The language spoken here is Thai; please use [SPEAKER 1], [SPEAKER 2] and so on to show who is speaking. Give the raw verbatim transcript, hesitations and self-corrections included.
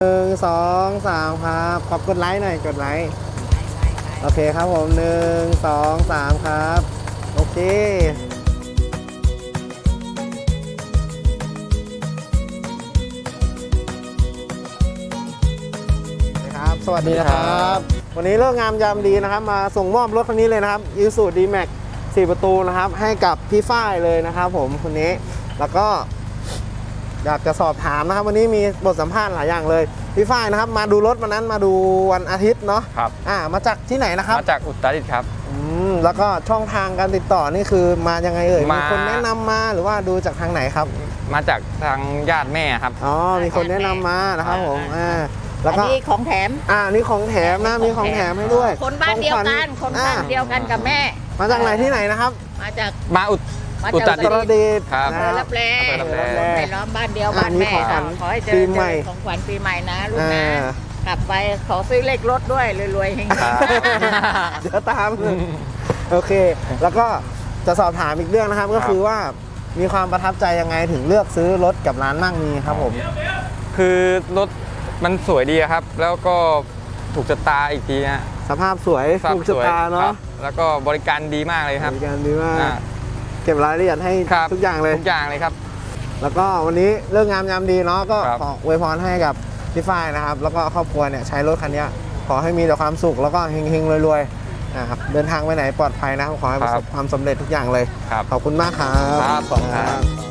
[SPEAKER 1] หนึ่งสองสามครับขอบกดไลค์หน่อยกดไลค์โอเคครับผมหนึ่งสองสามครับโอเคครับสวัสดีนะครับวันนี้เลิกงามยามดีนะครับมาส่งมอบรถคันนี้เลยนะครับ Isuzu ดี แม็กซ์ สี่ประตูนะครับให้กับพี่ฝ้ายเลยนะครับผมคนนี้แล้วก็อยากจะสอบถามนะครับวันนี้มีบทสัมภาษณ์หลายอย่างเลยพี่ฝ้ายนะครับมาดูรถวันนั้นมาดูวันอาทิตย์เนาะ
[SPEAKER 2] ครับ
[SPEAKER 1] อ่ามาจากที่ไหนนะครับ
[SPEAKER 2] มาจากอุตรดิตถ์ครับ
[SPEAKER 1] อืมแล้วก็ช่องทางการติดต่อนี่คือมายังไงเอ่ย
[SPEAKER 2] มามี
[SPEAKER 1] มีคนแนะนำมาหรือว่าดูจากทางไหนครับ
[SPEAKER 2] มาจากทางญาติแม่ครับ
[SPEAKER 1] อ๋อมีคนแนะนำมานะครับผมอ่าแล้วก็
[SPEAKER 3] อันนี้ของแถม
[SPEAKER 1] อ่านี่ของแถมนะมีของแถมให้ด้วย
[SPEAKER 3] คนบ้านเดียวกันคนบ้านเดียวกันกับแม่
[SPEAKER 1] มาจากไหนที่ไหนนะครับ
[SPEAKER 3] มาจาก
[SPEAKER 2] มาอุต
[SPEAKER 3] มา
[SPEAKER 2] อุ
[SPEAKER 3] จาก
[SPEAKER 2] ตรดิตถ์
[SPEAKER 1] ครับ
[SPEAKER 2] ครับ
[SPEAKER 3] อำเภอรับแล
[SPEAKER 2] อำเภอรับแล
[SPEAKER 3] ไปล้อมบ้านเดียวบ้านแม่
[SPEAKER 1] อ่า
[SPEAKER 3] ขอให้เจ
[SPEAKER 1] ปี
[SPEAKER 3] อ
[SPEAKER 1] ใหม่
[SPEAKER 3] ของขวัญปีใหม่นะลูก
[SPEAKER 1] อ่า
[SPEAKER 3] นะกลับไปขอซื้อเลขรถด้วยรวยๆเฮง
[SPEAKER 2] ครับ
[SPEAKER 1] เดี๋ยวตามโอเค แล้วก็จะสอบถามอีกเรื่องนะครับ ก็คือว่ามีความประทับใจยังไงถึงเลือกซื้อรถกับร้านมั่งมีครับผม
[SPEAKER 2] คือรถมันสวยดีครับ แล้วก็ถูกชะตาอีกทีฮะ
[SPEAKER 1] สภาพสวย
[SPEAKER 2] ภพ
[SPEAKER 1] ถูกชะ
[SPEAKER 2] สวย
[SPEAKER 1] ตา
[SPEAKER 2] ค
[SPEAKER 1] เนาะ
[SPEAKER 2] รับแล้วก็บริการดีมากเลยครับ
[SPEAKER 1] บริการดีมาก
[SPEAKER 2] อ่า
[SPEAKER 1] เก็บรายละเอียดให้
[SPEAKER 2] ครับ
[SPEAKER 1] ทุกอย่างเลย
[SPEAKER 2] ทุกอย่างเลยครับ
[SPEAKER 1] แล้วก็วันนี้เรื่องงามยามดีเนาะก็
[SPEAKER 2] ครับ
[SPEAKER 1] ขออวยพรให้กับพี่ฝ้ายนะครับ แล้วก็ครอบครัวเนี่ยใช้รถคันนี้ขอให้มีแต่ความสุขแล้วก็เฮงๆรวยๆนะครับเดินทางไปไหนปลอดภัยนะครับขอให้ประสบความสำเร็จทุกอย่างเลย
[SPEAKER 2] ครับ
[SPEAKER 1] ขอบคุณมากครับ
[SPEAKER 2] ครับขอบคุณครับ